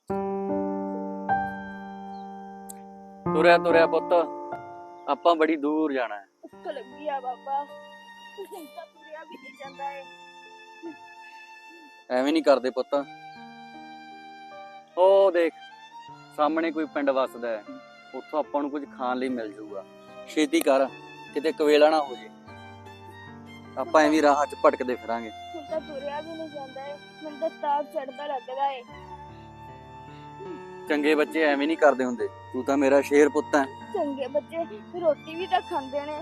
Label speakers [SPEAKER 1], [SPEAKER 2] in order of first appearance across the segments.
[SPEAKER 1] ਤੁਰਿਆ ਤੁਰਿਆ ਪੁੱਤ, ਆਪਾਂ ਬੜੀ ਦੂਰ ਜਾਣਾ ਹੈ।
[SPEAKER 2] ਭੁੱਖ ਲੱਗੀ ਆ ਬਾਬਾ, ਹੁਣ ਤਾਂ ਤੁਰਿਆ ਵੀ ਨਹੀਂ ਜਾਂਦਾ ਏ।
[SPEAKER 1] ਐਵੇਂ ਨਹੀਂ ਕਰਦੇ ਪੁੱਤ। ਉਹ ਦੇਖ ਸਾਹਮਣੇ ਕੋਈ ਪਿੰਡ ਵਸਦਾ ਹੈ, ਉੱਥੋਂ ਆਪਾਂ ਨੂੰ ਕੁਝ ਖਾਣ ਲਈ ਮਿਲ ਜਾਊਗਾ। ਛੇਤੀ ਕਰ, ਕਿਤੇ ਕਵੇਲਾ ਨਾ ਹੋ ਜੇ। ਆਪਾਂ ਐਵੇਂ ਰਾਹ 'ਚ ਭਟਕਦੇ ਫਿਰਾਂਗੇ।
[SPEAKER 2] ਹੁਣ ਤਾਂ ਤੁਰਿਆ ਵੀ ਨਹੀਂ ਜਾਂਦਾ ਏ, ਮੈਨੂੰ ਤਾਂ ਤਾਪ ਚੜਦਾ ਲੱਗਦਾ ਏ।
[SPEAKER 1] ਚੰਗੇ ਬੱਚੇ ਐਵੇਂ ਨਹੀਂ ਕਰਦੇ ਹੁੰਦੇ। ਤੂੰ ਤਾਂ ਮੇਰਾ ਸ਼ੇਰ ਪੁੱਤ ਹੈ।
[SPEAKER 2] ਚੰਗੇ ਬੱਚੇ ਰੋਟੀ ਵੀ ਤਾਂ ਖਾਂਦੇ ਨੇ।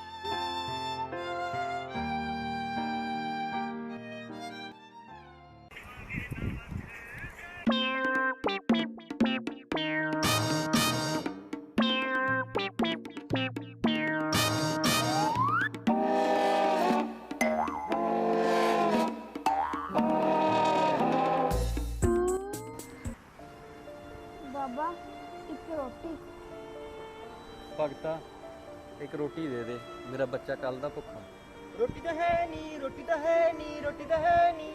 [SPEAKER 2] ਬਾਬਾ ਇੱਕ ਰੋਟੀ।
[SPEAKER 1] ਭਗਤਾ ਇੱਕ ਰੋਟੀ ਦੇ ਦੇ, ਮੇਰਾ ਬੱਚਾ ਕੱਲ ਦਾ ਭੁੱਖਾ।
[SPEAKER 3] ਰੋਟੀ ਤਾਂ ਹੈ ਨਹੀਂ, ਰੋਟੀ ਤਾਂ ਹੈ ਨਹੀਂ, ਰੋਟੀ ਤਾਂ ਹੈ ਨਹੀਂ।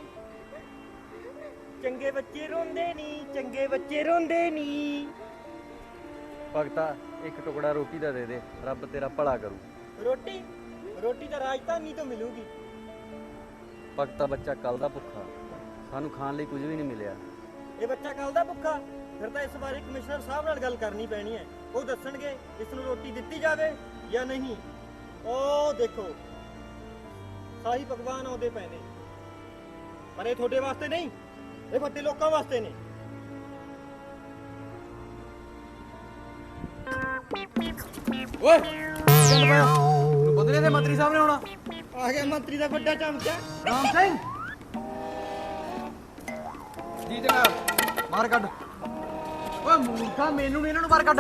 [SPEAKER 3] ਚੰਗੇ ਬੱਚੇ ਰੋਂਦੇ ਨਹੀਂ, ਚੰਗੇ ਬੱਚੇ ਰੋਂਦੇ ਨਹੀਂ।
[SPEAKER 1] ਭਗਤਾ ਇੱਕ ਟੁਕੜਾ ਰੋਟੀ ਦਾ ਦੇ ਦੇ, ਰੱਬ ਤੇਰਾ ਭਲਾ ਕਰੂ।
[SPEAKER 3] ਰੋਟੀ ਰੋਟੀ ਤਾਂ ਰਾਜਧਾਨੀ ਤੋਂ ਮਿਲੂਗੀ।
[SPEAKER 1] ਭਗਤਾ ਬੱਚਾ ਕੱਲ ਦਾ ਭੁੱਖਾ, ਸਾਨੂੰ ਖਾਣ ਲਈ ਕੁਝ ਵੀ ਨਹੀਂ ਮਿਲਿਆ।
[SPEAKER 3] ਇਹ ਬੱਚਾ ਕੱਲ ਦਾ ਭੁੱਖਾ, ਫਿਰ ਤਾਂ ਇਸ ਬਾਰੇ ਕਮਿਸ਼ਨਰ ਸਾਹਿਬ ਨਾਲ ਗੱਲ ਕਰਨੀ ਪੈਣੀ ਹੈ। ਉਹ ਦੱਸਣਗੇ ਇਸ ਨੂੰ ਰੋਟੀ ਦਿੱਤੀ ਜਾਵੇ ਜਾਂ ਨਹੀਂ। ਉਹ ਦੇਖੋ ਸਾਈ ਭਗਵਾਨ ਆਉਂਦੇ ਪਏ ਨੇ, ਪਰ ਇਹ ਤੁਹਾਡੇ ਵਾਸਤੇ ਨਹੀਂ, ਇਹ ਵੱਡੇ ਲੋਕਾਂ ਵਾਸਤੇ ਨੇ।
[SPEAKER 1] ਓਏ ਚੱਲ ਪਿਆ, ਤੈਨੂੰ ਪਤਾ ਨਹੀਂ ਤੇ ਮੰਤਰੀ ਸਾਹਿਬ ਨੇ ਆਉਣਾ।
[SPEAKER 3] ਆ ਗਿਆ ਮੰਤਰੀ ਦਾ ਵੱਡਾ ਚਮਚਾ
[SPEAKER 1] ਰਾਮ ਸਿੰਘ ਜੀ ਜਨਾਬ। ਬਾਹਰ ਕੱਢ। ਓਏ ਮੂਰਖਾ, ਮੈਨੂੰ ਨਹੀਂ ਇਹਨਾਂ ਨੂੰ ਬਾਹਰ ਕੱਢ।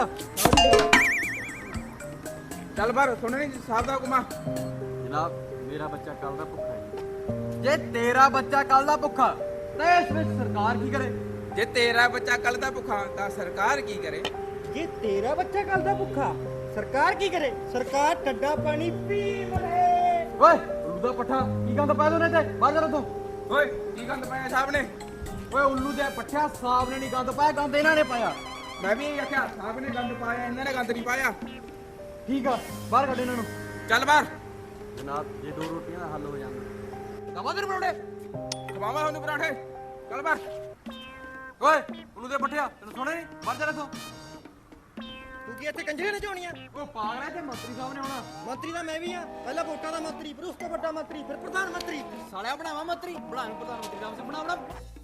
[SPEAKER 4] ਚੱਲ ਬਾਹਰ, ਸੁਣ ਨਹੀਂ ਸਾਹਿਬ ਦਾ ਹੁਕਮਾ।
[SPEAKER 1] ਜਨਾਬ ਮੇਰਾ ਬੱਚਾ ਕੱਲ ਦਾ ਭੁੱਖਾ ਹੈ। ਜੇ ਤੇਰਾ ਬੱਚਾ ਕੱਲ ਦਾ ਭੁੱਖਾ ਤਾਂ ਇਸ ਵਿੱਚ ਸਰਕਾਰ ਕੀ ਕਰੇ?
[SPEAKER 4] ਜੇ ਤੇਰਾ ਬੱਚਾ ਕੱਲ ਦਾ ਭੁੱਖਾ ਤਾਂ ਸਰਕਾਰ ਕੀ ਕਰੇ?
[SPEAKER 3] ਜੇ ਤੇਰਾ ਬੱਚਾ ਕੱਲ ਦਾ ਭੁੱਖਾ, ਸਰਕਾਰ ਕੀ ਕਰੇ? ਸਰਕਾਰ ਠੰਡਾ ਪਾਣੀ ਪੀ ਮਰੇ।
[SPEAKER 1] ਓਏ ਉੱਲੂ ਦਾ ਪੱਠਾ, ਕੀ ਗੰਦ ਪਾਇਆ ਉਹਨੇ ਤੇ? ਬਾਹਰ ਜਾ ਤੂੰ।
[SPEAKER 4] ਓਏ ਕੀ ਗੰਦ ਪਾਇਆ ਸਾਹਿਬ ਨੇ?
[SPEAKER 1] ਓਏ ਉੱਲੂ ਦੇ ਪੱਠਿਆ, ਸਾਹਿਬ ਨੇ ਨਹੀਂ ਗੰਦ ਪਾਇਆ, ਗੰਦ ਇਹਨਾਂ ਨੇ ਪਾਇਆ।
[SPEAKER 4] ਮੈਂ ਵੀ ਇਹੀ ਆਖਿਆ, ਸਾਹਿਬ ਨੇ ਗੰਦ ਪਾਇਆ, ਇਹਨਾਂ ਨੇ ਗੰਦ ਨਹੀਂ ਪਾਇਆ।
[SPEAKER 1] ਠੀਕ ਆ, ਬਾਹਰ ਕੱਢ ਇਹਨਾਂ ਨੂੰ।
[SPEAKER 4] ਚੱਲ ਬਾਹਰ।
[SPEAKER 1] ਜਨਾਬ ਜੇ ਦੋ ਰੋਟੀਆਂ ਦਾ ਹੱਲ ਹੋ ਜਾਂਦਾ। ਦਵਾ ਦੇ ਪਰੌਂਠੇ,
[SPEAKER 4] ਖਵਾਵਾਂ ਤੁਹਾਨੂੰ ਪਰਾਠੇ। ਚੱਲ ਬਾਹਰ।
[SPEAKER 1] ਓਏ ਉੱਲੂ ਦੇ ਪੱਠਿਆ, ਤੈਨੂੰ ਸੁਣੇ ਨਹੀਂ? ਬਾਹਰ ਜਾ ਤੂੰ।
[SPEAKER 3] ਤੂੰ ਕੀ ਇੱਥੇ ਕੰਜਰੇ ਨਚਾਉਣੀਆਂ?
[SPEAKER 1] ਓ ਪਾਗਲ ਹੈ, ਤੇ ਮੰਤਰੀ ਸਾਹਿਬ ਨੇ ਆਉਣਾ।
[SPEAKER 3] ਮੰਤਰੀ ਦਾ ਮੈਂ ਵੀ ਆ, ਪਹਿਲਾਂ ਵੋਟਾਂ ਦਾ ਮੰਤਰੀ, ਫਿਰ ਉਸ ਤੋਂ ਵੱਡਾ ਮੰਤਰੀ, ਫਿਰ ਪ੍ਰਧਾਨ ਮੰਤਰੀ।
[SPEAKER 1] ਸਾਲਿਆ ਬਣਾਵਾ ਮੰਤਰੀ, ਬਣਾਵੇਂ ਪ੍ਰਧਾਨ ਮੰਤਰੀ ਦਾ ਬਣਾ।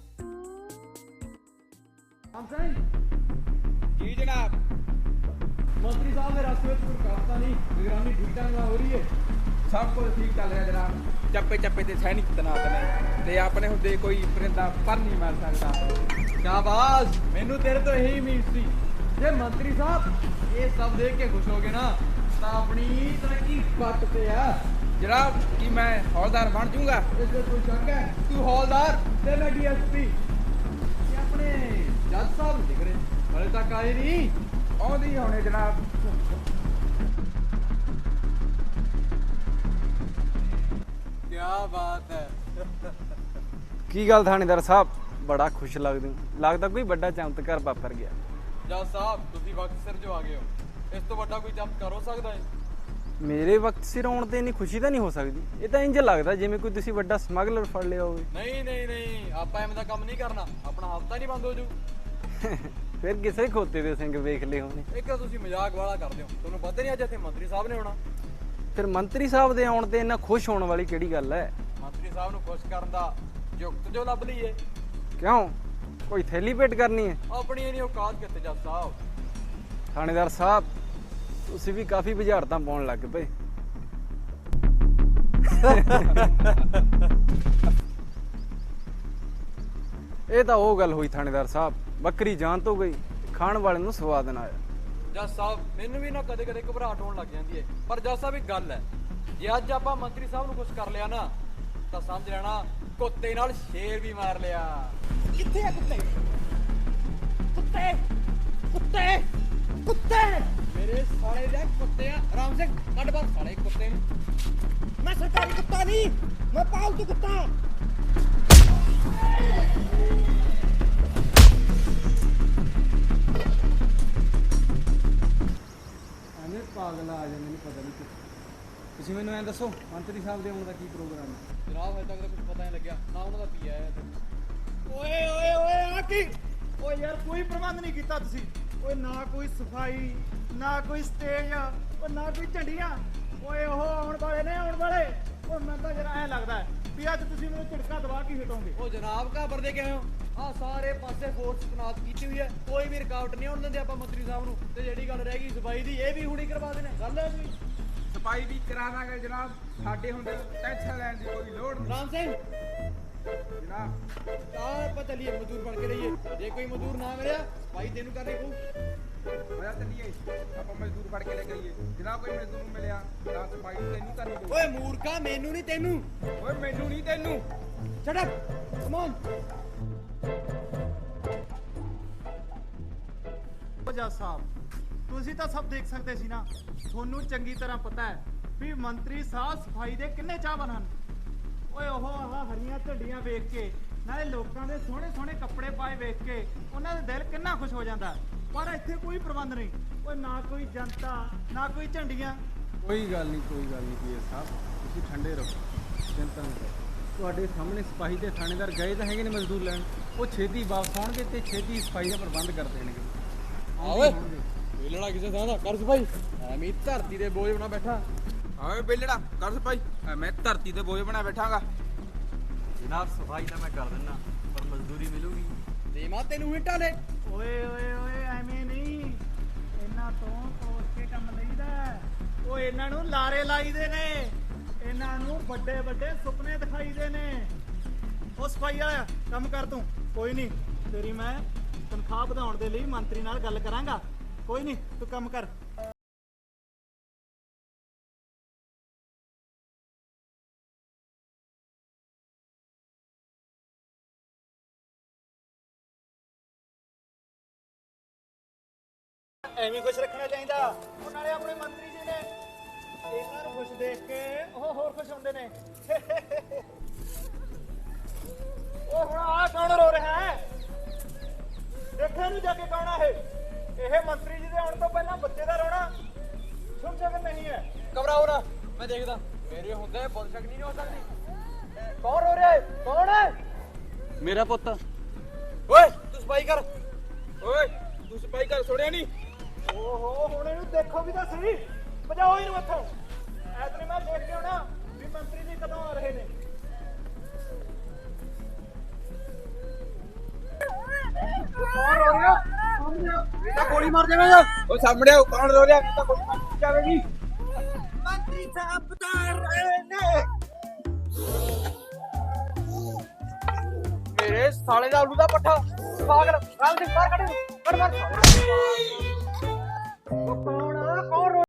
[SPEAKER 1] ਰਾਮ ਸਿੰਘ
[SPEAKER 4] ਜੀ ਜਨਾਬ।
[SPEAKER 1] ਮੰਤਰੀ ਸਾਹਿਬ ਦੇ ਰਸਤੇ ਵਿੱਚ ਕੋਈ ਰੁਕਾਵਟਾਂ ਨਹੀਂ, ਨਿਗਰਾਨੀ ਠੀਕ ਢੰਗ ਨਾਲ ਹੋ ਰਹੀ ਹੈ।
[SPEAKER 4] ਸਭ ਕੁਝ ਠੀਕ ਚੱਲ ਰਿਹਾ ਜਨਾਬ। ਚੱਪੇ ਚੱਪੇ ਤੇ ਸੈਨਿਕ ਤੈਨਾਤ ਨੇ ਤੇ ਆਪਣੇ ਹੁੰਦੇ ਕੋਈ ਪਰਿੰਦਾ ਪਰ ਨਹੀਂ ਮਾਰ ਸਕਦਾ।
[SPEAKER 1] ਸ਼ਾਬਾਸ਼, ਮੈਨੂੰ ਤੇਰੇ ਤੋਂ ਇਹੀ ਉਮੀਦ ਸੀ। ਜੇ ਮੰਤਰੀ ਸਾਹਿਬ ਇਹ ਸਭ ਦੇਖ ਕੇ ਖੁਸ਼ ਹੋ ਗਏ ਨਾ, ਤਾਂ ਆਪਣੀ ਤਰੱਕੀ ਪੱਟ ਤੇ ਆ।
[SPEAKER 4] ਜਨਾਬ ਕੀ ਮੈਂ ਹੌਲਦਾਰ ਬਣ ਜਾਊਂਗਾ?
[SPEAKER 1] ਇਸ ਵਿੱਚ ਕੋਈ ਸ਼ੱਕ ਹੈ? ਤੂੰ ਹੌਲਦਾਰ ਤੇ ਮੈਂ ਡੀਐਸਪੀ। ਇਹ ਆਪਣੇ ਜੱਜ ਸਾਹਿਬ ਦਿਖ ਰਹੇ, ਹਲੇ ਤੱਕ ਆਏ ਨਹੀਂ।
[SPEAKER 4] ਆਉਂਦੀ ਹੋਣੇ ਜਨਾਬ।
[SPEAKER 1] ਕੀ ਬਾਤ ਹੈ। ਕੀ ਗੱਲ ਥਾਣੇਦਾਰ ਸਾਹਿਬ, ਬੜਾ ਖੁਸ਼ ਲੱਗਦੇ ਹੋ। ਲੱਗਦਾ ਕੋਈ ਵੱਡਾ ਚਮਤਕਾਰ ਵਾਪਰ ਗਿਆ।
[SPEAKER 5] ਜੱਜ ਸਾਹਿਬ ਤੁਸੀਂ ਵਕਤ ਸਿਰ ਜੋ ਆ ਗਏ ਹੋ। ਇਸ ਤੋਂ ਵੱਡਾ ਕੋਈ ਚਮਤਕਾਰ ਹੋ ਸਕਦਾ ਹੈ?
[SPEAKER 1] ਮੇਰੇ ਵਕਤ ਸਿਰ ਆਉਣ ਤੇ ਇੰਨੀ ਖੁਸ਼ੀ ਤਾਂ ਨਹੀਂ ਹੋ ਸਕਦੀ। ਇਹ ਤਾਂ ਇੰਜ ਲੱਗਦਾ ਜਿਵੇਂ ਕੋਈ ਤੁਸੀਂ ਵੱਡਾ ਸਮਗਲਰ ਫੜ ਲਿਆ ਹੋਵੇ।
[SPEAKER 5] ਨਹੀਂ ਨਹੀਂ ਨਹੀਂ, ਆਪਾਂ ਐਵੇਂ ਦਾ ਕੰਮ ਨਹੀਂ ਕਰਨਾ, ਆਪਣਾ ਹਫਤਾ ਨਹੀਂ ਬੰਦ ਹੋ ਜੂ।
[SPEAKER 1] ਫਿਰ ਕਿਸੇ ਖੋਤੇ ਦੇ ਸਿੰਘ ਵੇਖ ਲਏ ਹੋਣੇ।
[SPEAKER 5] ਇੱਕ ਤਾਂ ਤੁਸੀਂ ਮਜ਼ਾਕ ਵਾਲਾ ਕਰਦੇ ਹੋ, ਤੁਹਾਨੂੰ ਪਤਾ ਨਹੀਂ ਅੱਜ ਇੱਥੇ ਮੰਤਰੀ ਸਾਹਿਬ ਨੇ ਆਉਣਾ।
[SPEAKER 1] ਫਿਰ ਮੰਤਰੀ ਸਾਹਿਬ ਦੇ ਆਉਣ ਤੇ ਇੰਨਾ ਖੁਸ਼ ਹੋਣ ਵਾਲੀ ਕਿਹੜੀ ਗੱਲ ਹੈ?
[SPEAKER 5] ਮੰਤਰੀ ਸਾਹਿਬ ਨੂੰ ਖੁਸ਼ ਕਰਨ ਦਾ ਯੁਕਤ ਜੋ ਲੱਭ ਲਈਏ।
[SPEAKER 1] ਕਿਉਂ, ਕੋਈ ਥੈਲੀ ਭੇਟ ਕਰਨੀ ਹੈ?
[SPEAKER 5] ਆਪਣੀ ਇਹ ਨਹੀਂ ਔਕਾਤ ਕਿਤੇ ਜੱਜ ਸਾਹਿਬ।
[SPEAKER 1] ਥਾਣੇਦਾਰ ਸਾਹਿਬ ਤੁਸੀਂ ਵੀ ਕਾਫੀ ਬੁਝਾਰਤਾਂ ਪਾਉਣ ਲੱਗ ਪਏ। ਇਹ ਤਾਂ ਉਹ ਗੱਲ ਹੋਈ ਥਾਣੇਦਾਰ ਸਾਹਿਬ, ਬੱਕਰੀ ਜਾਨ ਤੋਂ ਗਈ, ਖਾਣ ਵਾਲੇ ਨੂੰ ਸਵਾਦ ਨਾ ਆਇਆ।
[SPEAKER 5] ਜੱਜ ਸਾਹਿਬ ਮੈਨੂੰ ਵੀ ਨਾ ਕਦੇ ਕਦੇ ਘਬਰਾਹਟ ਹੋਣ ਲੱਗ ਜਾਂਦੀ ਹੈ, ਪਰ ਜੱਜ ਸਾਹਿਬ ਇੱਕ ਗੱਲ ਹੈ, ਜੇ ਅੱਜ ਆਪਾਂ ਮੰਤਰੀ ਸਾਹਿਬ ਨੂੰ ਖੁਸ਼ ਕਰ ਲਿਆ ਨਾ, ਤਾਂ ਸਮਝ ਲੈਣਾ ਕੁੱਤੇ ਨਾਲ ਸ਼ੇਰ ਵੀ ਮਾਰ ਲਿਆ।
[SPEAKER 3] ਕਿੱਥੇ ਆ ਕੁੱਤੇ? ਕੁੱਤੇ ਕੁੱਤੇ ਕੁੱਤੇ
[SPEAKER 5] ਮੇਰੇ ਸਾਲੇ ਦੇ ਕੁੱਤੇ ਆ। ਰਾਮ ਸਿੰਘ ਕੱਢ ਬਾਹਰ ਸਾਲੇ ਕੁੱਤੇ ਨੂੰ।
[SPEAKER 3] ਮੈਂ ਸਰਕਾਰੀ ਕੁੱਤਾ ਨਹੀਂ, ਮੈਂ ਪਾਲਤੂ ਕੁੱਤਾ।
[SPEAKER 6] ਆ ਜਾ, ਮੈਨੂੰ ਪਤਾ ਨਹੀਂ ਤੁਸੀਂ ਮੈਨੂੰ ਐਂ ਦੱਸੋ ਮੰਤਰੀ ਸਾਹਿਬ ਦੇ ਆਉਣ ਦਾ ਕੀ ਪ੍ਰੋਗਰਾਮ ਹੈ?
[SPEAKER 5] ਜਨਾਬ ਹਜੇ ਤੱਕ ਤਾਂ ਕੁਝ ਪਤਾ ਨਹੀਂ ਲੱਗਿਆ ਨਾ ਉਹਨਾਂ ਦਾ ਪੀ ਆਇਆ
[SPEAKER 3] ਓਏ ਓਏ ਓਏ ਆ ਕੀ ਓਏ ਯਾਰ ਕੋਈ ਪ੍ਰਬੰਧ ਨਹੀਂ ਕੀਤਾ ਤੁਸੀਂ ਓਏ ਨਾ ਕੋਈ ਸਫਾਈ ਨਾ ਕੋਈ ਸਟੇਜ ਓ ਨਾ ਕੋਈ ਝੰਡੀਆਂ ਓਏ ਉਹ ਆਉਣ ਵਾਲੇ ਨੇ ਆਉਣ ਵਾਲੇ ਓ ਮੈਨੂੰ ਤਾਂ ਜਰਾ ਐ ਲੱਗਦਾ ਹੈ ਵੀ ਅੱਜ ਤੁਸੀਂ ਮੈਨੂੰ ਝਟਕਾ ਦਵਾ ਕੇ ਹਟੋਗੇ
[SPEAKER 5] ਉਹ ਜਨਾਬ ਘਾਬਰਦੇ ਕਿਉਂ ਹੋ ਆ ਸਾਰੇ ਪਾਸੇ ਫੋਰਸ ਤਨਾਤ ਕੀਤੀ ਹੋਈ ਹੈ ਕੋਈ ਵੀ ਰੁਕਾਵਟ ਨਹੀਂ ਆਉਣ ਦਿੰਦੇ ਆਪਾਂ ਮੰਤਰੀ ਸਾਹਿਬ ਨੂੰ ਤੇ ਜਿਹੜੀ ਗੱਲ ਰਹਿ ਗਈ ਸਫਾਈ ਦੀ ਇਹ ਵੀ ਹੁਣੀ ਕਰਵਾ ਦੇਣੇ ਗੱਲ ਹੈ ਕੋਈ
[SPEAKER 4] ਸਫਾਈ ਵੀ ਕਰਾ ਦਾਂਗੇ ਜਨਾਬ ਸਾਡੇ ਹੁੰਦੇ ਟੈਨਸ਼ਨ ਲੈਣ ਦੀ ਕੋਈ ਲੋੜ ਨਹੀਂ
[SPEAKER 5] ਰਾਮ ਸਿੰਘ
[SPEAKER 4] ਜਨਾਬ।
[SPEAKER 5] ਆਪਾਂ ਚੱਲੀਏ ਮਜ਼ਦੂਰ ਬਣ ਕੇ ਰਹੀਏ ਜੇ ਕੋਈ ਮਜ਼ਦੂਰ ਨਾ ਮਿਲਿਆ ਸਫਾਈ ਤੈਨੂੰ ਕਰਨੀ ਪਊ
[SPEAKER 4] ਹੋਇਆ ਚੱਲੀਏ ਆਪਾਂ ਮਜ਼ਦੂਰ ਫੜ ਕੇ ਲੈ ਗਈਏ ਜਨਾਬ ਕੋਈ ਮਜ਼ਦੂਰ ਨੂੰ ਮਿਲਿਆ ਨਾ ਸਫਾਈ ਤੈਨੂੰ ਕਰਨੀ ਪਊ।
[SPEAKER 5] ਓਏ ਮੂਰਖਾ ਮੈਨੂੰ ਨਹੀਂ ਤੈਨੂੰ
[SPEAKER 4] ਓਏ ਮੈਨੂੰ ਨਹੀਂ ਤੈਨੂੰ
[SPEAKER 5] ਸ਼ਟ ਅਪ ਕਮ ਔਨ
[SPEAKER 3] ਜੱਜ ਸਾਹਿਬ ਤੁਸੀਂ ਤਾਂ ਸਭ ਦੇਖ ਸਕਦੇ ਸੀ ਨਾ ਤੁਹਾਨੂੰ ਚੰਗੀ ਤਰ੍ਹਾਂ ਪਤਾ ਹੈ ਵੀ ਮੰਤਰੀ ਸਾਹਿਬ ਸਫਾਈ ਦੇ ਕਿੰਨੇ ਚਾਹਵਾਨ ਹਨ ਓਏ ਉਹ ਆਹ ਹਰੀਆਂ ਝੰਡੀਆਂ ਵੇਖ ਕੇ ਨਾਲੇ ਲੋਕਾਂ ਦੇ ਸੋਹਣੇ ਸੋਹਣੇ ਕੱਪੜੇ ਪਾਏ ਵੇਖ ਕੇ ਉਹਨਾਂ ਦਾ ਦਿਲ ਕਿੰਨਾ ਖੁਸ਼ ਹੋ ਜਾਂਦਾ ਪਰ ਇੱਥੇ ਕੋਈ ਪ੍ਰਬੰਧ ਨਹੀਂ ਓਏ ਨਾ ਕੋਈ ਜਨਤਾ ਨਾ ਕੋਈ ਝੰਡੀਆਂ
[SPEAKER 6] ਕੋਈ ਗੱਲ ਨਹੀਂ ਪੀਐਸ ਸਾਹਿਬ, ਤੁਸੀਂ ਠੰਡੇ ਰਹੋ, ਚਿੰਤਾ ਨਾ ਕਰੋ। ਤੁਹਾਡੇ ਸਾਹਮਣੇ ਸਿਪਾਹੀ ਤੇ ਥਾਣੇਦਾਰ ਗਏ ਤਾਂ ਹੈਗੇ ਨੇ ਮਜ਼ਦੂਰ ਲੈਣ, ਉਹ ਛੇਤੀ ਵਾਪਸ ਆਉਣਗੇ ਤੇ ਛੇਤੀ ਸਫਾਈ ਦਾ ਪ੍ਰਬੰਧ ਕਰ ਦੇਣਗੇ।
[SPEAKER 5] ਓਏ ਵੇਲਣਾ ਕਿਸੇ ਥਾਂ ਦਾ ਕਰ ਸਫਾਈ ਐਵੇਂ ਹੀ ਧਰਤੀ ਦੇ ਬੋਝ ਬਣਾ ਬੈਠਾ
[SPEAKER 4] ਓਏ ਬੇਲੜਾ ਕਰ ਸਫਾਈ ਮੈਂ ਧਰਤੀ ਤੇ ਬੋਝ ਬਣਾ ਬੈਠਾਂਗਾ।
[SPEAKER 1] ਜਨਾਬ ਸਫਾਈ ਤਾਂ ਮੈਂ ਕਰ ਦਿੰਦਾ ਪਰ ਮਜ਼ਦੂਰੀ ਮਿਲੂਗੀ
[SPEAKER 5] ਤੇ ਮਾ ਤੈਨੂੰ ਹਿੱਟਾ ਲੈ
[SPEAKER 3] ਓਏ ਓਏ ਓਏ ਐਵੇਂ ਨਹੀਂ ਇਹਨਾਂ ਤੋਂ ਕੋਸ ਕੇ ਕੰਮ ਲਈਦਾ ਉਹ ਇਹਨਾਂ ਨੂੰ ਲਾਰੇ ਲਾਈਦੇ ਨੇ ਇਹਨਾਂ ਨੂੰ ਵੱਡੇ ਵੱਡੇ ਸੁਪਨੇ ਦਿਖਾਈਦੇ ਨੇ ਉਹ ਸਫਾਈ ਵਾਲਾ ਕੰਮ ਕਰ ਤੂੰ ਕੋਈ ਨਹੀਂ ਤੇਰੀ ਮੈਂ ਤਨਖਾਹ ਵਧਾਉਣ ਦੇ ਲਈ ਮੰਤਰੀ ਨਾਲ ਗੱਲ ਕਰਾਂਗਾ ਕੋਈ ਨਹੀਂ ਤੂੰ ਕੰਮ ਕਰ ਐਵੇਂ ਖੁਸ਼ ਰੱਖਣਾ ਚਾਹੀਦਾ ਉਹ ਨਾਲੇ ਆਪਣੇ ਮੰਤਰੀ ਜੀ ਨੇ ਇਹਨਾਂ ਨੂੰ ਖੁਸ਼ ਦੇਖ ਕੇ ਉਹ ਹੋਰ ਖੁਸ਼ ਹੁੰਦੇ ਨੇ ਉਹ ਹੁਣ ਆ ਕੌਣ ਰੋ ਰਿਹਾ ਹੈ ਦੇਖਿਆ ਨੂੰ ਜਾ ਕੇ ਕੌਣ ਆ ਇਹ ਮੰਤਰੀ ਜੀ ਦੇ ਆਉਣ ਤੋਂ ਪਹਿਲਾਂ ਬੱਚੇ ਦਾ ਰੋਣਾ ਸ਼ੁਭ ਸ਼ਗਨ ਨਹੀਂ ਹੈ
[SPEAKER 5] ਘਬਰਾਓ ਨਾ ਮੈਂ ਦੇਖਦਾ ਮੇਰੇ ਹੁੰਦੇ ਬੁੱਧ ਸ਼ਕਤੀ ਨਹੀਂ ਹੋ ਸਕਦੀ ਕੌਣ ਰੋ ਰਿਹਾ ਹੈ ਕੌਣ ਹੈ
[SPEAKER 1] ਮੇਰਾ ਪੁੱਤ
[SPEAKER 5] ਓਏ ਤੂੰ ਸਫਾਈ ਕਰ
[SPEAKER 4] ਓਏ ਤੂੰ ਸਫਾਈ ਕਰ ਸੁਣਿਆ ਨਹੀਂ
[SPEAKER 3] ਓਹੋ ਹੁਣ ਇਹਨੂੰ ਦੇਖੋ ਵੀ ਤਾਂ ਸਹੀ ਭਜਾਓ ਇਹਨੂੰ ਇੱਥੋਂ ਐਤਨੀ ਮੈਂ ਦੇਖ ਕੇ ਆਉਣਾ ਵੀ ਮੰਤਰੀ ਜੀ ਕਦੋਂ ਆ ਰਹੇ ਨੇ ਕੌਣ ਰੋ ਰਿਹਾ ਇਹ ਤਾਂ ਗੋਲੀ ਮਾਰ ਦੇਵੇਗਾ
[SPEAKER 4] ਉਹ ਸਾਹਮਣੇ ਆਓ, ਕੌਣ ਰੋ ਰਿਹਾ ਤਾਂ ਕੋਈ ਮਾਰ ਜਾਵੇਗੀ।
[SPEAKER 3] ਮੰਤਰੀ ਸਾਹਿਬ ਬਤਾ ਰਹੇ ਨੇ
[SPEAKER 5] ਮੇਰੇ ਸਾਲੇ ਦਾ ਆਲੂ ਦਾ ਪੱਠਾ ਪਾਗਲ ਰਾਮ ਸਿੰਘ ਬਾਹਰ ਕੱਢ ਮਾਰ
[SPEAKER 3] ਉਹ ਕੌਣ ਰੋ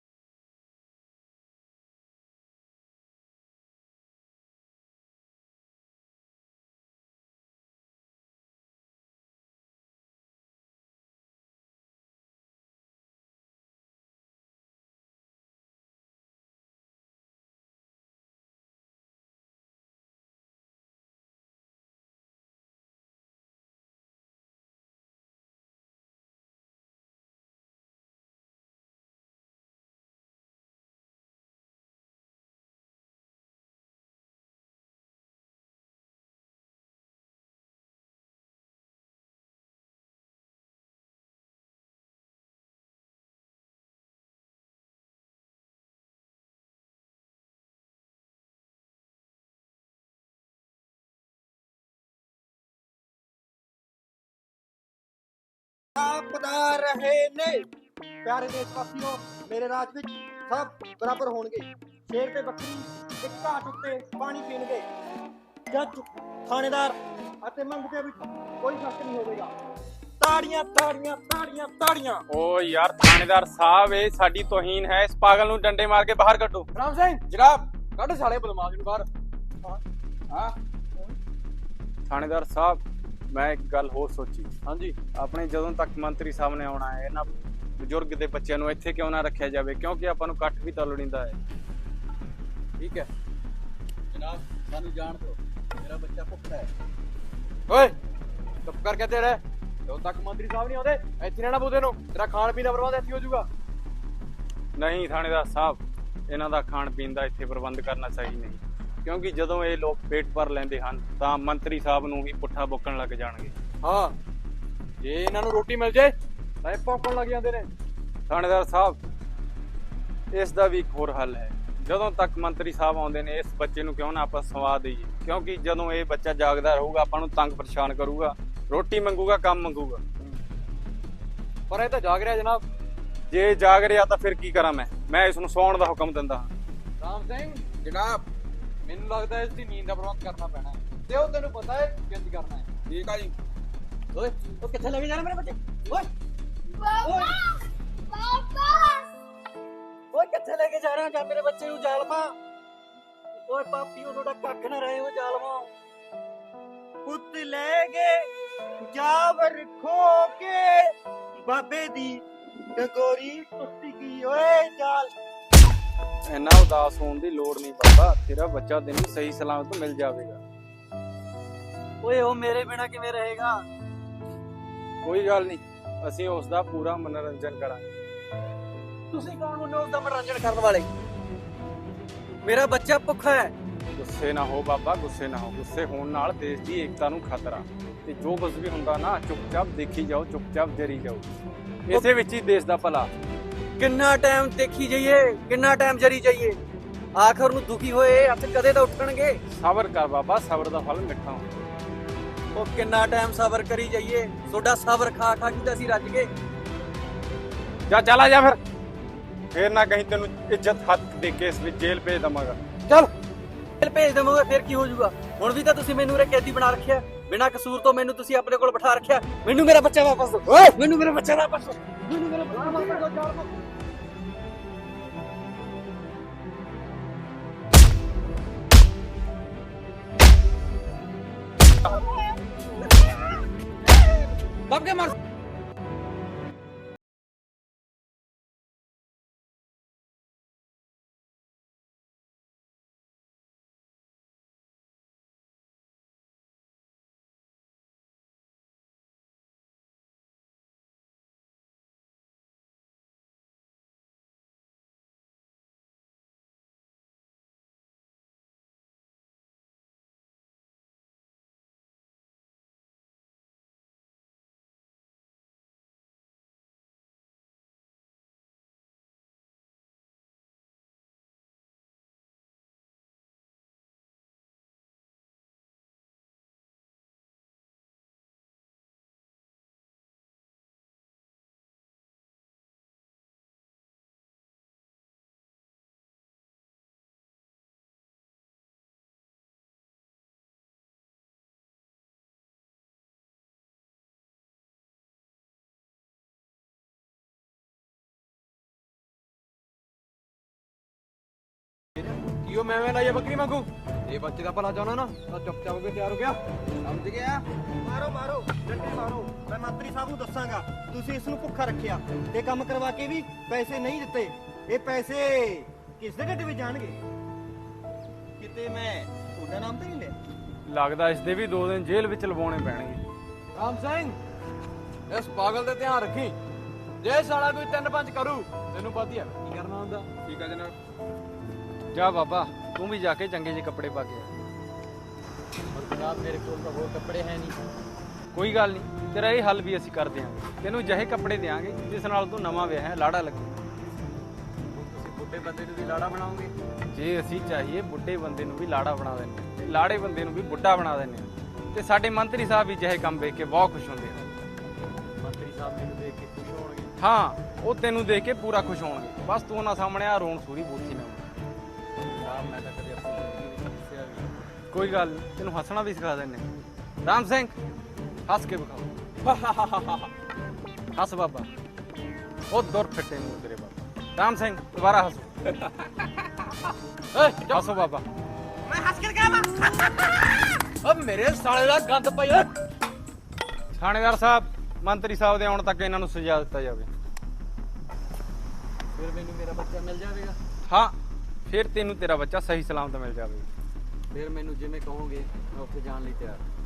[SPEAKER 3] ਪਤਾ ਰਹੇ ਨੇ ਪਿਆਰੇ ਦੇਸ਼ ਵਾਸੀਓ ਮੇਰੇ ਰਾਜ ਵਿੱਚ ਸਭ ਬਰਾਬਰ ਹੋਣਗੇ ਸ਼ੇਰ ਤੇ ਬੱਕਰੀ ਇੱਕ ਘਾਟ ਉੱਤੇ ਪਾਣੀ ਪੀਣਗੇ ਜੱਜ ਥਾਣੇਦਾਰ ਅਤੇ ਮੰਗਤੇ ਵਿੱਚ ਕੋਈ ਫਰਕ ਨਹੀਂ ਹੋਵੇਗਾ ਤਾੜੀਆਂ ਤਾੜੀਆਂ ਤਾੜੀਆਂ ਤਾੜੀਆਂ
[SPEAKER 4] ਓ ਯਾਰ ਥਾਣੇਦਾਰ ਸਾਹਿਬ ਇਹ ਸਾਡੀ ਤੋਹੀਨ ਹੈ ਇਸ ਪਾਗਲ ਨੂੰ ਡੰਡੇ ਮਾਰ ਕੇ ਬਾਹਰ ਕੱਢੋ।
[SPEAKER 5] ਰਾਮ ਸਿੰਘ
[SPEAKER 4] ਜਨਾਬ
[SPEAKER 5] ਕੱਢ ਸਾਲੇ ਬਦਮਾਸ਼ ਨੂੰ ਬਾਹਰ
[SPEAKER 4] ਹਾਂ ਥਾਣੇਦਾਰ ਸਾਹਿਬ ਮੈਂ ਇੱਕ ਗੱਲ ਹੋਰ ਸੋਚੀ
[SPEAKER 5] ਹਾਂਜੀ
[SPEAKER 4] ਆਪਣੇ ਜਦੋਂ ਤੱਕ ਮੰਤਰੀ ਸਾਹਿਬ ਨੇ ਆਉਣਾ ਹੈ ਇਹਨਾਂ ਬਜ਼ੁਰਗ ਦੇ ਬੱਚਿਆਂ ਨੂੰ ਇੱਥੇ ਕਿਉਂ ਨਾ ਰੱਖਿਆ ਜਾਵੇ ਕਿਉਂਕਿ ਆਪਾਂ ਨੂੰ ਕੱਟ ਵੀ ਤਾਂ ਲੋੜੀਂਦਾ ਹੈ।
[SPEAKER 5] ਠੀਕ ਹੈ
[SPEAKER 1] ਜਨਾਬ ਸਾਨੂੰ ਜਾਣ ਦਿਓ ਮੇਰਾ ਬੱਚਾ ਭੁੱਖਾ ਹੈ
[SPEAKER 5] ਓਏ ਚੁੱਪ ਕਰਕੇ ਤੇ ਰਹਿ ਜਦੋਂ ਤੱਕ ਮੰਤਰੀ ਸਾਹਿਬ ਨਹੀਂ ਆਉਂਦੇ ਇੱਥੇ ਰਹਿਣਾ ਬੂਦੇ ਨੂੰ ਤੇਰਾ ਖਾਣ ਪੀਣ ਦਾ ਪ੍ਰਬੰਧ ਇੱਥੇ ਹੋ ਜਾਊਗਾ
[SPEAKER 6] ਨਹੀਂ ਥਾਣੇਦਾਰ ਸਾਹਿਬ, ਇਹਨਾਂ ਦਾ ਖਾਣ ਪੀਣ ਦਾ ਇੱਥੇ ਪ੍ਰਬੰਧ ਕਰਨਾ ਸਹੀ ਨਹੀਂ, ਕਿਉਂਕਿ ਜਦੋਂ ਇਹ ਲੋਕ ਪੇਟ ਭਰ ਲੈਂਦੇ ਹਨ ਤਾਂ ਮੰਤਰੀ ਸਾਹਿਬ ਨੂੰ ਵੀ ਪੁੱਠਾ ਬੋਕਣ ਲੱਗ ਜਾਣਗੇ।
[SPEAKER 5] ਹਾਂ, ਜੇ ਇਹਨਾਂ ਨੂੰ ਰੋਟੀ ਮਿਲ ਜੇ ਤਾਂ ਇਹ ਭੌਂਕਣ ਲੱਗ ਜਾਂਦੇ ਨੇ।
[SPEAKER 6] ਥਾਣੇਦਾਰ ਸਾਹਿਬ, ਇਸ ਦਾ ਵੀ ਇੱਕ ਹੋਰ ਹੱਲ ਹੈ। ਜਦੋਂ ਤੱਕ ਮੰਤਰੀ ਸਾਹਿਬ ਆਉਂਦੇ ਨੇ, ਇਸ ਬੱਚੇ ਨੂੰ ਕਿਉਂ ਨਾ ਆਪਾਂ ਸਵਾ ਦਈਏ, ਕਿਉਂਕਿ ਜਦੋਂ ਇਹ ਬੱਚਾ ਜਾਗਦਾ ਰਹੂਗਾ ਆਪਾਂ ਨੂੰ ਤੰਗ ਪਰੇਸ਼ਾਨ ਕਰੂਗਾ, ਰੋਟੀ ਮੰਗੂਗਾ, ਕੰਮ ਮੰਗੂਗਾ।
[SPEAKER 5] ਪਰ ਇਹ ਤਾਂ ਜਾਗ ਰਿਹਾ ਜਨਾਬ।
[SPEAKER 6] ਜੇ ਜਾਗ ਰਿਹਾ ਤਾਂ ਫਿਰ ਕੀ ਕਰਾਂ ਮੈਂ ਇਸ ਨੂੰ ਸੌਣ ਦਾ ਹੁਕਮ ਦਿੰਦਾ ਹਾਂ।
[SPEAKER 5] ਰਾਮ ਸਿੰਘ,
[SPEAKER 4] ਜਨਾਬ
[SPEAKER 5] ਮੈਨੂੰ ਲੱਗਦਾ ਇਸ ਦੀ ਨੀਂਦ ਦਾ ਪ੍ਰਬੰਧ ਕਰਨਾ ਪੈਣਾ ਹੈ, ਤੇ ਉਹ ਤੈਨੂੰ ਪਤਾ ਹੈ ਕਿੰਜ ਕਰਨਾ ਹੈ।
[SPEAKER 4] ਠੀਕ ਆ ਜੀ।
[SPEAKER 3] ਓਏ ਉਹ ਕਿੱਥੇ ਲੈ ਕੇ ਜਾਣਾ ਮੇਰੇ ਬੱਚੇ? ਓਏ
[SPEAKER 2] ਪਾਪਾ ਪਾਪਾ
[SPEAKER 3] ਓਏ ਕਿੱਥੇ ਲੈ ਕੇ ਜਾ ਰਿਹਾ? ਜਾ ਮੇਰੇ ਬੱਚੇ ਨੂੰ ਜਾਲਮਾ। ਓਏ ਪਾਪੀਓ ਤੁਹਾਡਾ ਕੱਖ ਨਾ ਰਹੇ ਹੋ ਜਾਲਮਾ। ਪੁੱਤ ਲੈ ਗਏ ਜਾਵਰ ਖੋ ਕੇ, ਬਾਬੇ ਦੀ ਡੰਗੋਰੀ ਟੁੱਟ ਗਈ। ਓਏ ਜਾਲ
[SPEAKER 6] ਇੰਨਾ ਉਦਾਸ ਹੋਣ ਦੀ ਲੋੜ ਨਹੀਂ ਬਾਬਾ, ਤੇਰਾ ਬੱਚਾ ਤੈਨੂੰ ਸਹੀ ਸਲਾਮਤ ਮਿਲ ਜਾਵੇਗਾ।
[SPEAKER 3] ਓਏ ਉਹ ਮੇਰੇ ਬਿਨਾ ਕਿਵੇਂ ਰਹੇਗਾ?
[SPEAKER 6] ਕੋਈ ਗੱਲ ਨਹੀਂ, ਅਸੀਂ ਉਸ ਦਾ ਪੂਰਾ ਮਨੋਰੰਜਨ ਕਰਾਂਗੇ।
[SPEAKER 3] ਤੁਸੀਂ ਕੌਣ ਹੁੰਦੇ ਹੋ ਉਸ ਦਾ ਮਨੋਰੰਜਨ ਕਰਨ ਵਾਲੇ? ਮੇਰਾ ਬੱਚਾ ਭੁੱਖਾ ਹੈ।
[SPEAKER 6] ਗੁੱਸੇ ਨਾ ਹੋ ਬਾਬਾ, ਗੁੱਸੇ ਨਾ ਹੋ। ਗੁੱਸੇ ਹੋਣ ਨਾਲ ਦੇਸ਼ ਦੀ ਏਕਤਾ ਨੂੰ ਖਤਰਾ, ਤੇ ਜੋ ਕੁਝ ਵੀ ਹੁੰਦਾ ਨਾ ਚੁੱਪਚਾਪ ਦੇਖੀ ਜਾਓ, ਚੁੱਪਚਾਪ ਜਰੀ ਜਾਓ। ਇਸੇ ਵਿੱਚ ਹੀ ਦੇਸ਼ ਦਾ ਭਲਾ।
[SPEAKER 3] ਕਿੰਨਾ ਟਾਈਮ ਦੇਖੀ ਜਾਈਏ, ਕਿੰਨਾ ਟਾਈਮ ਜਰੀ ਜਾਈਏ? ਆਖਰ ਨੂੰ ਦੁਖੀ ਹੋਏ ਹੱਥ ਕਦੇ ਤਾਂ ਉੱਠਣਗੇ।
[SPEAKER 6] ਸਬਰ ਕਰ ਬਾਬਾ, ਸਬਰ ਦਾ ਫਲ ਮਿੱਠਾ ਹੁੰਦਾ।
[SPEAKER 3] ਉਹ ਕਿੰਨਾ ਟਾਈਮ ਸਬਰ ਕਰੀ ਜਾਈਏ? ਤੁਹਾਡਾ ਸਬਰ ਖਾ ਖਾ ਕੇ ਤਾਂ ਅਸੀਂ ਰੱਜ ਗਏ।
[SPEAKER 6] ਜਾ ਚਲਾ ਜਾ ਫਿਰ ਨਾ ਕਹੀਂ ਤੈਨੂੰ ਇੱਜ਼ਤ ਹੱਥ ਦੇ ਕੇ ਇਸ ਵਿੱਚ ਜੇਲ੍ਹ ਭੇਜ ਦਵਾਂਗਾ।
[SPEAKER 3] ਚੱਲ ਜੇਲ੍ਹ ਭੇਜ ਦੇਵਾਂਗੇ, ਫਿਰ ਕੀ ਹੋ ਜਾਊਗਾ? ਹੁਣ ਵੀ ਤਾਂ ਤੁਸੀਂ ਮੈਨੂੰ ਉਰੇ ਕੈਦੀ ਬਣਾ ਰੱਖਿਆ, ਬਿਨਾਂ ਕਸੂਰ ਤੋਂ ਮੈਨੂੰ ਤੁਸੀਂ ਆਪਣੇ ਕੋਲ ਬਿਠਾ ਰੱਖਿਆ। ਮੈਨੂੰ ਮੇਰਾ ਬੱਚਾ ਵਾਪਸ ਦਿਓ। ਓਏ ਮੈਨੂੰ ਮੇਰਾ ਬੱਚਾ ਵਾਪਸ ਦਿਓ। ਮੈਨੂੰ ਮੇਰਾ ਬੱਚਾ ਵਾਪਸ ਦਿਓ। ਜਾਣ ਦਿਓ।
[SPEAKER 5] ਦੱਬ ਕੇ ਮਾਰ। ਕਿਉਂ ਮੈਂ ਲਾਇਆ ਬੱਕਰੀ ਵਾਂਗੂ? ਇਹ ਬੱਚੇ ਦਾ ਭਲਾ ਚਾਹਣਾ ਨਾ ਤਾਂ ਚੁੱਪਚਾਪ ਹੋ ਕੇ ਤਿਆਰ ਹੋ ਗਿਆ।
[SPEAKER 4] ਸਮਝ ਗਿਆ?
[SPEAKER 3] ਮਾਰੋ ਮਾਰੋ ਡੰਡੇ ਮਾਰੋ। ਮੈਂ ਮੰਤਰੀ ਸਾਹਿਬ ਨੂੰ ਦੱਸਾਂਗਾ ਤੁਸੀਂ ਇਸ ਨੂੰ ਭੁੱਖਾ ਰੱਖਿਆ ਤੇ ਕੰਮ ਕਰਵਾ ਕੇ ਵੀ ਪੈਸੇ ਨਹੀਂ ਦਿੱਤੇ। ਇਹ ਪੈਸੇ ਕਿਸ ਦੇ ਢਿੱਡ ਵਿੱਚ ਜਾਣਗੇ? ਕਿਤੇ ਮੈਂ ਤੁਹਾਡਾ ਨਾਮ ਤਾਂ ਨਹੀਂ ਲਿਆ?
[SPEAKER 6] ਲੱਗਦਾ ਇਸ ਦੇ ਵੀ 2 ਦਿਨ ਜੇਲ੍ਹ ਵਿੱਚ ਲਵਾਉਣੇ ਪੈਣਗੇ।
[SPEAKER 5] ਰਾਮ ਸਿੰਘ, ਇਸ ਪਾਗਲ ਤੇ ਧਿਆਨ ਰੱਖੀ। ਜੇ ਸਾਲਾ ਕੋਈ 3-5 ਕਰੂ ਤੈਨੂੰ ਪਤਾ ਹੀ ਹੈ ਕੀ ਕਰਨਾ ਹੁੰਦਾ।
[SPEAKER 4] ਠੀਕ ਆ ਜਨਾਬ।
[SPEAKER 6] ਜਾ ਬਾਬਾ, ਤੂੰ ਵੀ ਜਾ ਕੇ ਚੰਗੇ ਜਿਹੇ ਕੱਪੜੇ ਪਾ ਕੇ ਆ।
[SPEAKER 5] ਪਰ ਜਨਾਬ ਮੇਰੇ ਕੋਲ ਤਾਂ ਹੋਰ ਕੱਪੜੇ ਹੈ ਨਹੀਂ।
[SPEAKER 6] ਕੋਈ ਗੱਲ ਨਹੀਂ, ਤੇਰਾ ਇਹ ਹੱਲ ਵੀ ਅਸੀਂ ਕਰ ਦਿਆਂਗੇ। ਤੈਨੂੰ ਜਿਹੇ ਕੱਪੜੇ ਦਿਆਂਗੇ ਜਿਸ ਨਾਲ ਤੂੰ ਨਵਾਂ ਵਿਆਹ ਹੈ ਲਾੜਾ ਲੱਗੇ।
[SPEAKER 5] ਤੁਸੀਂ ਬੁੱਢੇ ਬੰਦੇ ਨੂੰ ਵੀ ਲਾੜਾ ਬਣਾਓਗੇ?
[SPEAKER 6] ਜੇ ਅਸੀਂ ਚਾਹੀਏ ਬੁੱਢੇ ਬੰਦੇ ਨੂੰ ਵੀ ਲਾੜਾ ਬਣਾ ਦਿੰਦੇ ਹਾਂ, ਤੇ ਲਾੜੇ ਬੰਦੇ ਨੂੰ ਵੀ ਬੁੱਢਾ ਬਣਾ ਦਿੰਦੇ ਹਾਂ। ਤੇ ਸਾਡੇ ਮੰਤਰੀ ਸਾਹਿਬ ਵੀ ਜਿਹੇ ਕੰਮ ਵੇਖ ਕੇ ਬਹੁਤ ਖੁਸ਼ ਹੁੰਦੇ ਹਨ।
[SPEAKER 5] ਮੰਤਰੀ ਸਾਹਿਬ ਮੈਨੂੰ ਦੇਖ ਕੇ ਖੁਸ਼ ਹੋਣਗੇ?
[SPEAKER 6] ਹਾਂ, ਉਹ ਤੈਨੂੰ ਦੇਖ ਕੇ ਪੂਰਾ ਖੁਸ਼ ਹੋਣਗੇ। ਬਸ ਤੂੰ ਉਹਨਾਂ ਸਾਹਮਣੇ ਆ ਰੋਣ ਸੂਰੀ ਬੋਤੀ ਨਾ।
[SPEAKER 5] ਜਨਾਬ ਮੈਂ ਤਾਂ ਕਦੇ ਆਪਣੀ ਜ਼ਿੰਦਗੀ ਵਿੱਚ ਹੱਸਿਆ ਵੀ ਨਹੀਂ।
[SPEAKER 6] ਕੋਈ ਗੱਲ ਨੀ, ਤੈਨੂੰ ਹੱਸਣਾ ਵੀ ਸਿਖਾ ਦਿੰਦੇ ਹਾਂ। ਰਾਮ ਸਿੰਘ, ਹੱਸ ਕੇ ਵਿਖਾਓ। ਹੱਸ ਬਾਬਾ। ਉਹ ਦੁਰ ਫਿੱਟੇ ਮੂੰਹ ਤੇਰੇ ਬਾਬਾ। ਰਾਮ ਸਿੰਘ ਦੁਬਾਰਾ ਹੱਸੋ। ਹੱਸੋ ਬਾਬਾ।
[SPEAKER 3] ਮੈਂ ਹੱਸ ਕੇ ਕਹਾਂ
[SPEAKER 5] ਓ ਮੇਰੇ ਸਾਲੇ ਦਾ ਗੰਦ ਪਈ ਓਏ।
[SPEAKER 6] ਥਾਣੇਦਾਰ ਸਾਹਿਬ, ਮੰਤਰੀ ਸਾਹਿਬ ਦੇ ਆਉਣ ਤੱਕ ਇਹਨਾਂ ਨੂੰ ਸਜ਼ਾ ਦਿੱਤਾ ਜਾਵੇ।
[SPEAKER 5] ਫਿਰ ਮੈਨੂੰ ਮੇਰਾ ਬੱਚਾ ਮਿਲ ਜਾਵੇਗਾ?
[SPEAKER 6] ਹਾਂ, ਫਿਰ ਤੈਨੂੰ ਤੇਰਾ ਬੱਚਾ ਸਹੀ ਸਲਾਮਤ ਮਿਲ ਜਾਵੇਗਾ।
[SPEAKER 5] ਫਿਰ ਮੈਨੂੰ ਜਿਵੇਂ ਕਹੋਗੇ ਮੈਂ ਉੱਥੇ ਜਾਣ ਲਈ ਤਿਆਰ ਹਾਂ।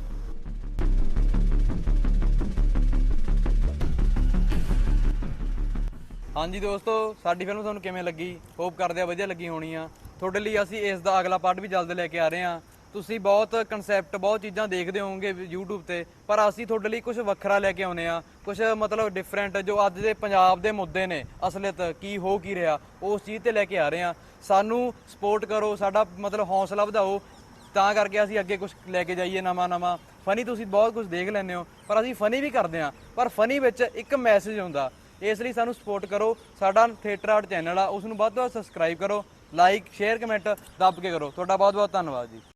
[SPEAKER 5] ਹਾਂਜੀ ਦੋਸਤੋ, ਸਾਡੀ ਫਿਲਮ ਤੁਹਾਨੂੰ ਕਿਵੇਂ ਲੱਗੀ? ਹੋਪ ਕਰਦੇ ਆ ਵਧੀਆ ਲੱਗੀ ਹੋਣੀ ਆ। ਤੁਹਾਡੇ ਲਈ ਅਸੀਂ ਇਸ ਦਾ ਅਗਲਾ ਪਾਰਟ ਵੀ ਜਲਦ ਲੈ ਕੇ ਆ ਰਹੇ ਹਾਂ। ਤੁਸੀਂ ਬਹੁਤ ਕਨਸੈਪਟ, ਬਹੁਤ ਚੀਜ਼ਾਂ ਦੇਖਦੇ ਹੋਵੋਗੇ YouTube ਤੇ, ਪਰ ਅਸੀਂ ਤੁਹਾਡੇ ਲਈ ਕੁਝ ਵੱਖਰਾ ਲੈ ਕੇ ਆਉਨੇ ਆ, ਕੁਝ ਮਤਲਬ ਡਿਫਰੈਂਟ, ਜੋ ਅੱਜ ਦੇ ਪੰਜਾਬ ਦੇ ਮੁੱਦੇ ਨੇ, ਅਸਲੀਅਤ ਕੀ ਹੋ ਕੀ ਰਿਹਾ, ਉਸ ਚੀਜ਼ ਤੇ ਲੈ ਕੇ ਆ ਰਹੇ ਹਾਂ। ਸਾਨੂੰ ਸਪੋਰਟ ਕਰੋ, ਸਾਡਾ ਮਤਲਬ ਹੌਸਲਾ ਵਧਾਓ, ਤਾਂ ਕਰਕੇ ਅਸੀਂ ਅੱਗੇ ਕੁਝ ਲੈ ਕੇ ਜਾਈਏ ਨਵਾਂ। ਫਨੀ ਤੁਸੀਂ ਬਹੁਤ ਕੁਝ ਦੇਖ ਲੈਂਦੇ ਹੋ, ਪਰ ਅਸੀਂ ਫਨੀ ਵੀ ਕਰਦੇ ਹਾਂ, ਪਰ ਫਨੀ ਵਿੱਚ ਇੱਕ ਮੈਸੇਜ ਹੁੰਦਾ। ਇਸ ਲਈ ਸਾਨੂੰ ਸਪੋਰਟ ਕਰੋ। ਸਾਡਾ ਥੀਏਟਰ ਆਰਟ ਚੈਨਲ ਆ, ਉਸ ਨੂੰ ਵੱਧ ਤੋਂ ਵੱਧ ਸਬਸਕ੍ਰਾਈਬ ਕਰੋ, ਲਾਈਕ, ਸ਼ੇਅਰ, ਕਮੈਂਟ ਦੱਬ ਕੇ ਕਰੋ। ਤੁਹਾਡਾ ਬਹੁਤ ਬਹੁਤ ਧੰਨਵਾਦ ਜੀ।